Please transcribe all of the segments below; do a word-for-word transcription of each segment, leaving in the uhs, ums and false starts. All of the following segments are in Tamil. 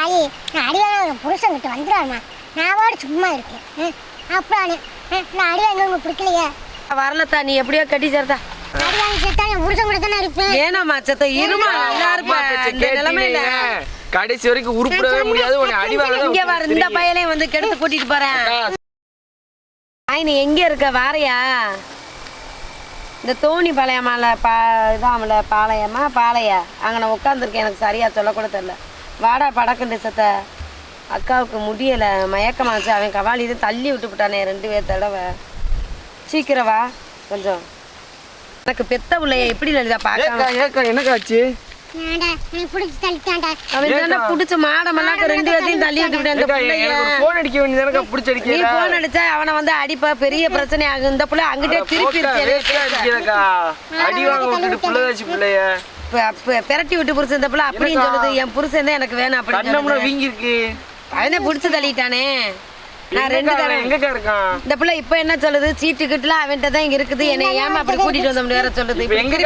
தாயி நான் அடிவாங்க புருஷன் கிட்ட வந்துடுவாருமா. நான் வாடு சும்மா இருக்கேன். அப்புறம் நான் அடிவாங்க உங்களுக்கு பிடிக்கலையே. வரலத்தா, நீ எப்படியோ கட்டி சேர்த்தா. அடிவாங்க செத்தா என் புருஷன் கூட தானே இருப்பேன். ஏனாமா செத்த இருமா நல்லா இருப்பேன். இந்த நிலைமையில கடைசி வரைக்கும் உருப்படவே முடியாது. உன்னை அடிவாங்க இங்க வர இந்த பையனையும் வந்து கெடுத்து கூட்டிட்டு போறேன். நீ எங்க இருக்க வாரையா? இந்த தோணி பாளையமால பா இதாமல பாளையமா பாளையா அங்கே நான் உட்காந்துருக்கேன். எனக்கு சரியாக சொல்லக்கூட தெரில. வாடா படக்குண்டு சத்த. அக்காவுக்கு முடியலை, மயக்கமாச்சு. அவன் கவாலி இது தள்ளி விட்டு விட்டானே ரெண்டு பேர் தடவை. சீக்கிரம் வா கொஞ்சம். எனக்கு பெத்த பிள்ளைய எப்படி லலிதா பார்க்க என்னக்காச்சு? அவன் புடிச்ச மாடமெல்லாம் ரெண்டு பேர்த்தையும் தள்ளி விட்டு போன் அடிச்சா அவனை வந்து அடிப்பா, பெரிய பிரச்சனை ஆகும். இந்த பிள்ளை அங்கிட்டே திருப்பி பெரட்டி விட்டு புருஷன் இந்த பிள்ளை அப்படின்னு சொல்லுது. என் புருஷன் தான் எனக்கு வேணும் அப்படின்னு அவனே புடிச்சு தள்ளிட்டானே. நான் ரெண்டு தடவை இந்த பிள்ளை இப்ப என்ன சொல்லுது, சீட்டு கிட்டுலாம் அவன்கிட்ட தான் இங்க இருக்குது, என்னை ஏமா அப்படி கூட்டிட்டு வந்தோம் வேற சொல்லுது.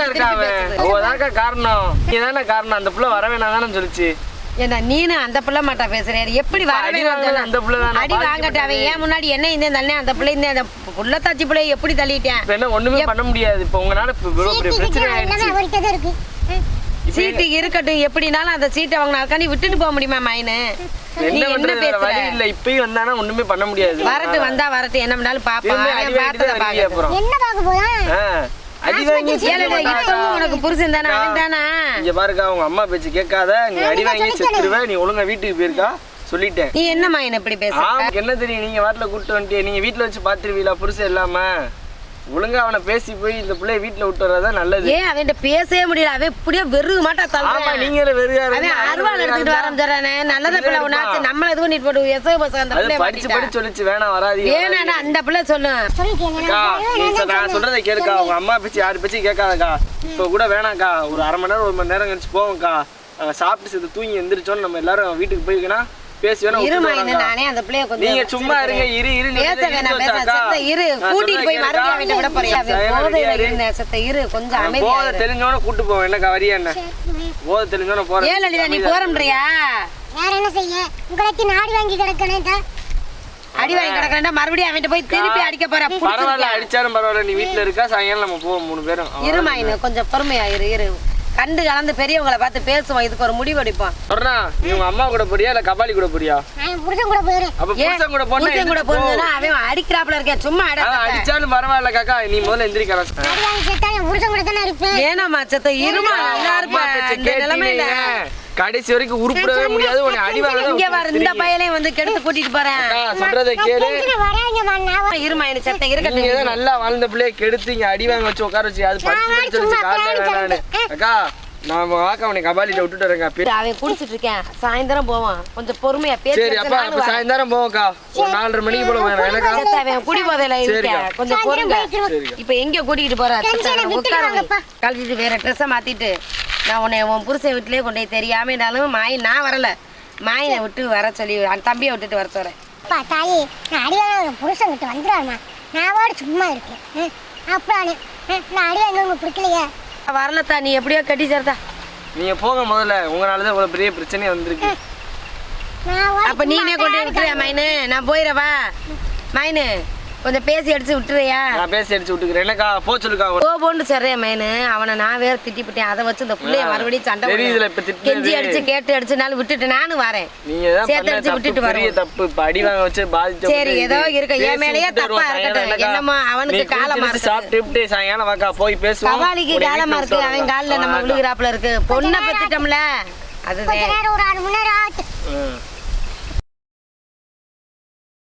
காரணம் அந்த பிள்ளை வர வேணாம் சொல்லுச்சு. என்ன நீனு அந்த பிள்ளை மாட்டா பேசுறேன். எப்படி வரவே அடி வாங்கட்ட அவன் ஏன் முன்னாடி என்ன இந்த தண்ணே அந்த பிள்ளை இந்த அந்த புள்ளத்தாச்சி பிள்ளைய எப்படி தள்ளிட்டேன். என்ன ஒண்ணுமே பண்ண முடியாது. இப்ப உங்களால பிரச்சனை ஆயிடுச்சு. சீட்டு இருக்கட்டும், எப்படினாலும் அந்த சீட்டை அவங்க நாளைக்காண்டி விட்டுட்டு போக முடியுமா மைனு? நீ என்ன பேசுற? இல்ல இப்பயும் வந்தானா ஒண்ணுமே பண்ண முடியாது. வரட்டு வந்தா வரட்டு, என்ன பண்ணாலும் பாப்பான். பார்த்தத பாக்க என்ன பாக்க போறா? அடி வாங்கி இப்பவும் உனக்கு புருஷன் தானே, அவன் தானா? இங்க பாருக்கா, உங்க அம்மா பேச்சு கேட்காத. நீ அடி வாங்கி செத்துருவ. நீ ஒழுங்கா வீட்டுக்கு போயிருக்கா சொல்லிட்டேன். நீ என்ன மைன் இப்படி பேசுற? என்ன தெரியும், நீங்க வாட்டில கூட்டு வந்துட்டே. நீங்க வீட்டுல வச்சு பாத்துருவீங்களா புருஷன் இல்லாம? ஒழுங்கா அவனை பேசி போய் இந்த பிள்ளைய வீட்டுல விட்டு வர்றதான் நல்லது. ஏன் அவன்கிட்ட பேசவே முடியல? அவன் இப்படியே வெறுக மாட்டா தள்ளுறான். நீங்களே வெறுகா அருவாள் எடுத்துட்டு வர சொல்றானே. நல்லத பிள்ளை உன்னாச்சு நம்மள இது பண்ணிட்டு போட்டு எசவு பசங்க அந்த பிள்ளை படிச்சு படிச்சு சொல்லிச்சு வேணாம் வராதீங்க. ஏன்னா அந்த பிள்ளை சொல்லு. நான் சொல்றதை கேளுக்கா. உங்க அம்மா பேச்சு யாரு பேச்சு கேட்காதக்கா. இப்ப கூட வேணாக்கா. ஒரு அரை மணி நேரம் ஒரு மணி நேரம் கழிச்சு போவோம்க்கா. நாங்க சாப்பிட்டு சேர்த்து தூங்கி எந்திரிச்சோன்னு நம்ம எல்லாரும் வீட்டுக்கு போயிருக்கேன்னா பேசி வேணா. நானே அந்த பிள்ளைய கொஞ்சம் நீங்க சும்மா இருங்க. இரு இரு பேச வேணாம் பேச இரு. கூட்டிட்டு போய் மறுபடியும் அவன்கிட்ட விட போறியா? போதையில இருந்த சத்த இரு, கொஞ்சம் அமைதியா. போதை தெரிஞ்சோன கூட்டு போவோம். என்னக்கா வரியா? என்ன போதை தெரிஞ்சோன போறேன். ஏன் லலிதா நீ போறம்ன்றியா? வேற என்ன செய்ய? உங்களுக்கு நாடி வாங்கி கிடக்கணும்டா. அடி வாங்கி கிடக்கறேன்டா. மறுபடியும் அவன்கிட்ட போய் திருப்பி அடிக்க போற. பரவாயில்ல, அடிச்சாலும் பரவாயில்ல. நீ வீட்டுல இருக்கா, சாயங்காலம் நம்ம போவோம் மூணு பேரும். இருமா இன்னும் கொஞ்சம் பொறுமையா இரு இரு. கண்டு கலந்து பெரியவங்களை பார்த்து பேசுவோம். இதுக்கு ஒரு முடிவு எடுப்போம். சொல்றா, நீ உங்க அம்மா கூட போறியா இல்ல கபாலி கூட போறியா? நான் புருஷன் கூட போறேன். அப்ப புருஷன் கூட போனா புருஷன் கூட போறதுனா அவன் அடிக்கறாப்ல இருக்கே. சும்மா அட. அடிச்சாலும் பரவாயில்ல காக்கா. நீ முதல்ல எந்திரிக்கற. அடிவாங்க செத்தா என் புருஷன் கூட தானே இருப்பேன். ஏனாமா செத்த இருமா நல்லா இருப்பேன். இந்த நிலைமையில கடைசி வரைக்கும் உருப்படவே முடியாது. உன்னை அடிவாங்க. இங்க வர இந்த பையனையும் வந்து கெடுத்து கூட்டிட்டு போறேன். சொல்றதை கேளு. வராங்க வாங்க. இருமா என்ன செத்த இருக்கட்டும். நீங்க ஏதோ நல்லா வாழ்ந்த பிள்ளைய கெடுத்தீங்க. அடிவாங்க வச்சு உட்கார வச்சு அது படிச்சு படிச்சு சொல்லிச்சு காலையில வேணான்னு. அக்கா நான் வாக்க அவனை கபாலிட்ட விட்டுட்டு வரேங்க. அவன் குடிச்சிட்டு இருக்கேன். சாயந்தரம் போவான். கொஞ்சம் பொறுமையா பேசு. சரி அப்பா, அப்ப சாயந்தரம் போவோம்க்கா. ஒரு நாலரை மணிக்கு போல வேணும் எனக்கா. அவன் குடி போதையில இருக்கேன். கொஞ்சம் பொறுங்க. இப்ப எங்க கூட்டிட்டு போற? கழட்டிட்டு வேற ட்ரெஸ்ஸை மாத்திட்டு நான் உன்னை உன் புருஷன் வீட்டிலேயே கொண்டு போய் தெரியாமனாலும் மாய் நான் வரல. மாயினை விட்டு வர சொல்லி அந்த தம்பியை விட்டுட்டு வர சொல்றேன். தாயி நான் அடிவாங்க புருஷன் கிட்ட வந்துடுவாருமா. நான் வாடு சும்மா இருக்கேன். அப்புறம் நான் அடிவாங்க உங்களுக்கு பிடிக்கலையே. வரலத்தா, நீ எப்படியோ கட்டி சேர்த்தா. நீங்க போங்க முதல்ல. உங்களாலதான் இவ்வளவு பெரிய பிரச்சனை வந்திருக்கு. அப்ப நீனே கொண்டு விட்டுறியா மைனு? நான் போயிடவா மைனு? கொஞ்சம் பேசி அடிச்சு விட்டுறியா? நான் பேசி அடிச்சு விட்டுக்கிறேன். என்னக்கா போ சொல்லுக்கா. போ போன்னு சொல்றேன் மைனு. அவனை நான் வேற திட்டிப்பிட்டேன். அதை வச்சு இந்த பிள்ளைய மறுபடியும் சண்டை கெஞ்சி அடிச்சு கேட்டு அடிச்சுனாலும் விட்டுட்டு நானும் வரேன். சேர்த்து அடிச்சு விட்டுட்டு வரேன். தப்பு இப்ப அடி வாங்க வச்சு பாதிச்சு. சரி ஏதோ இருக்க என் மேலேயே தப்பா இருக்கட்டும். என்னமோ அவனுக்கு காலமா இருக்கு. சாப்பிட்டு சாயங்காலம் வாக்கா போய் பேசுவோம். கபாலிக்கு காலமா இருக்கு. அவன் காலில் நம்ம விழுகிறாப்புல இருக்கு. பொண்ணை பெத்துட்டோம்ல அதுதான். ஒரு அரை மணி நேரம் ஆச்சு.